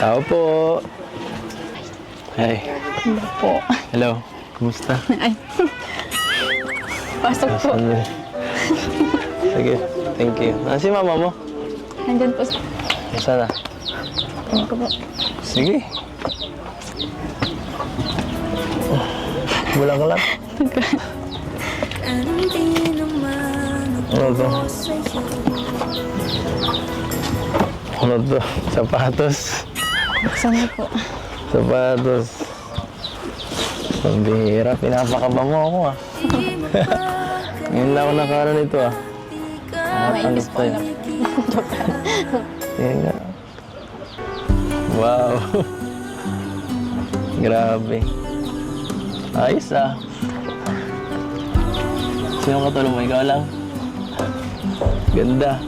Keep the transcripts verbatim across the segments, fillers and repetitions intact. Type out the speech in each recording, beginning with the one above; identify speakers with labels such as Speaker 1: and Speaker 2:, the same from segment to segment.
Speaker 1: Tao po. Hey.
Speaker 2: Hello po.
Speaker 1: Hello. Kumusta?
Speaker 2: Ay. Pasok po.
Speaker 1: Sandali. Sige. Thank you. Nasaan si mama mo?
Speaker 2: Nandyan po.
Speaker 1: Nasaan na?
Speaker 2: Tingin ko po.
Speaker 1: Sige. Bulang ka lang. Ano to? Ano to? Sapatos.
Speaker 2: Buksan niyo po.
Speaker 1: Sapatos. Pambihira. Pinapakaba mo ako ah. Ngayon lang ako nakaroon nito ah.
Speaker 2: Naipis po alam.
Speaker 1: Yan nga. Wow. Grabe. Ayos ah. Sino katulong mo? Ikaw lang? Ganda.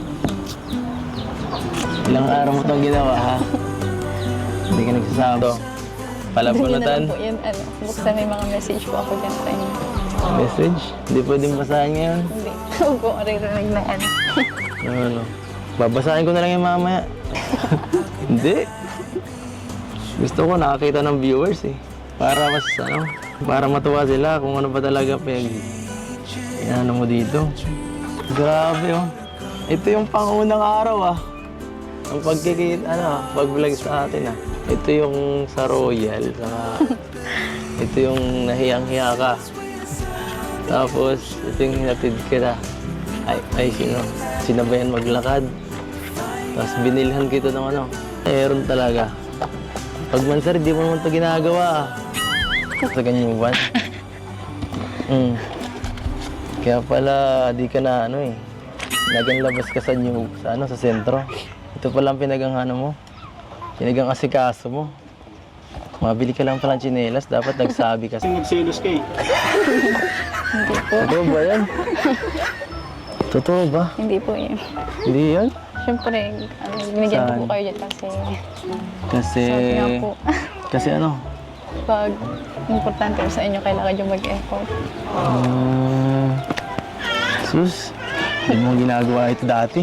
Speaker 1: Ilang araw mo itong ginawa ha? Hindi ka nagsasama. Palapunutan.
Speaker 2: Hindi na lang po yan. Ano, buksan may mga message po ako dyan sa inyo.
Speaker 1: Message? Hindi pwedeng basahin ngayon.
Speaker 2: Hindi. Huwag po maririnig na ano.
Speaker 1: Ano, ano? Babasahin ko na lang yung mamaya. Hindi. Gusto ko nakakita ng viewers eh. Para mas ano, para matuwa sila kung ano ba talaga pag ano mo dito. Grabe oh. Ito yung pangunang araw ah. Ang pagkikita, ano ah, pag-vlog sa atin ah. Ito yung sa Royal, saka ito yung nahiyang-hiya ka. Tapos, ito yung hinatid kita. Ay, ay, sino? Sinabayan maglakad. Tapos binilhan kita ng ano. Meron talaga. Pag man sir, di mo naman ito ginagawa ah. Sa ganyan buwan. Mm. Kaya pala, di ka na ano eh. Naganlabas ka sa new, sa ano, sa sentro. Ito pala ang pinagang ano mo. Pinagang asikaso mo. Mabili ka lang pala ng tsinelas, dapat nagsabi ka.
Speaker 3: Nagselos ka eh.
Speaker 2: Hindi po.
Speaker 1: Totoo ba yan? Totoo ba?
Speaker 2: Hindi po yun.
Speaker 1: Hindi yan?
Speaker 2: Siyempre, ano, binigyan ko po
Speaker 1: Saan?
Speaker 2: kayo dyan kasi
Speaker 1: Kasi...
Speaker 2: sabi nga po,
Speaker 1: Kasi ano?
Speaker 2: pag importante sa inyo, kailangan yung mag-effort.
Speaker 1: Um, sus, hindi mo ginagawa ito dati.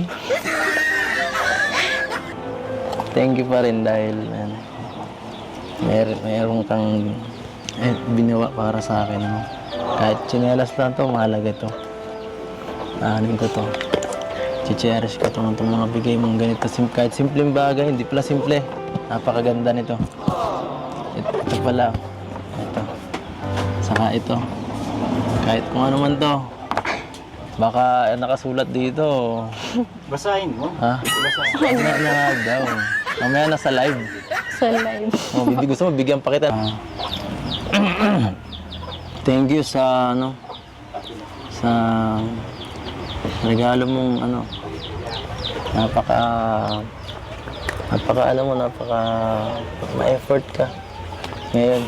Speaker 1: Thank you pa rin dahil man, mer meron kang eh, binawa para sa akin. No? Kahit tsinelas lang to, mahalaga to. Aanin ko to. Chicherish ko to ng mga bigay mong ganito. Sim kahit simpleng bagay, hindi pala simple. Napakaganda nito. Ito, ito pala. Ito. Saka ito. Kahit kung ano man to. Baka nakasulat dito.
Speaker 3: Basahin mo.
Speaker 1: Ha?
Speaker 3: Basahin.
Speaker 1: Na, na nga daw. Mamaya nasa live.
Speaker 2: Sa live.
Speaker 1: Oh, bibig gusto mo, bigyan pa kita. Ah. Thank you sa ano sa regalo mong ano. Napaka napaka alam mo, napaka ma-effort ka. Ngayon.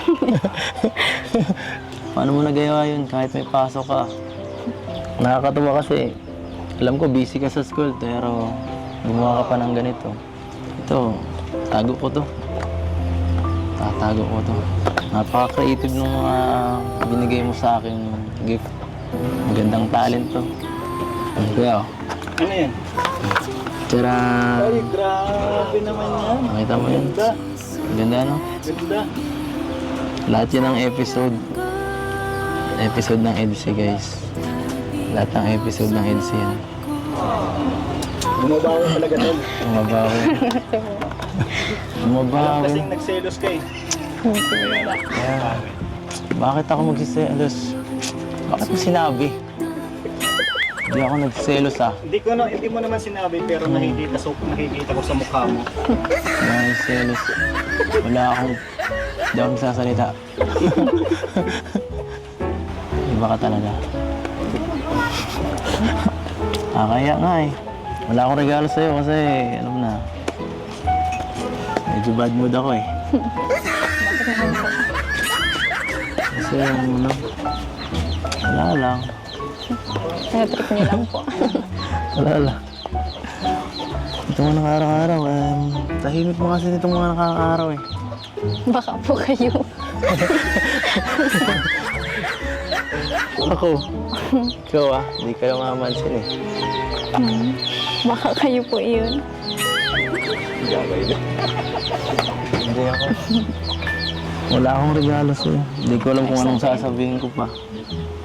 Speaker 1: Paano mo nagawa yun kahit may pasok ka? Nakakatuwa kasi alam ko busy ka sa school pero gumawa ka pa ng ganito. Ito, tago ko to. Tatago ko to. Napaka-creative nung uh, binigay mo sa akin gift. Magandang talent to. Ano kaya oh?
Speaker 3: Ano yan?
Speaker 1: Tira!
Speaker 3: Ay, grabe naman yan.
Speaker 1: Nakita mo yun?
Speaker 3: Ganda.
Speaker 1: Ganda no?
Speaker 3: Ganda.
Speaker 1: Lahat yan ang episode. Episode ng EDSA guys. Lahat ng episode ng EDSA yan.
Speaker 3: Bumabaho talaga tol.
Speaker 1: Bumabaho. Bumabaho.
Speaker 3: Kasing nagselos ka eh.
Speaker 1: Yeah. Bakit ako magsiselos? Bakit mo sinabi? Hindi ako nagselos ah.
Speaker 3: Hindi ko na, hindi mo naman sinabi pero nakikita so nakikita ko sa mukha mo.
Speaker 1: Hindi ako nagselos. Wala akong... Hindi ako nagsasalita. Iba ka talaga. Ah, kaya nga eh. Wala akong regalo sa'yo kasi alam na. Medyo bad mood ako eh. Kasi ano, wala lang.
Speaker 2: Tinatrip niyo lang po.
Speaker 1: Wala lang. Ito mga nakaraw-araw, um, tahimik mo kasi nitong mga nakaraw eh.
Speaker 2: Baka po kayo.
Speaker 1: Ako. Ikaw ah, hindi kayo mamansin eh.
Speaker 2: Hmm. Baka kayo po yun.
Speaker 1: Hindi ako. Wala akong regalo sa'yo. Hindi ko alam kung anong sasabihin ko pa.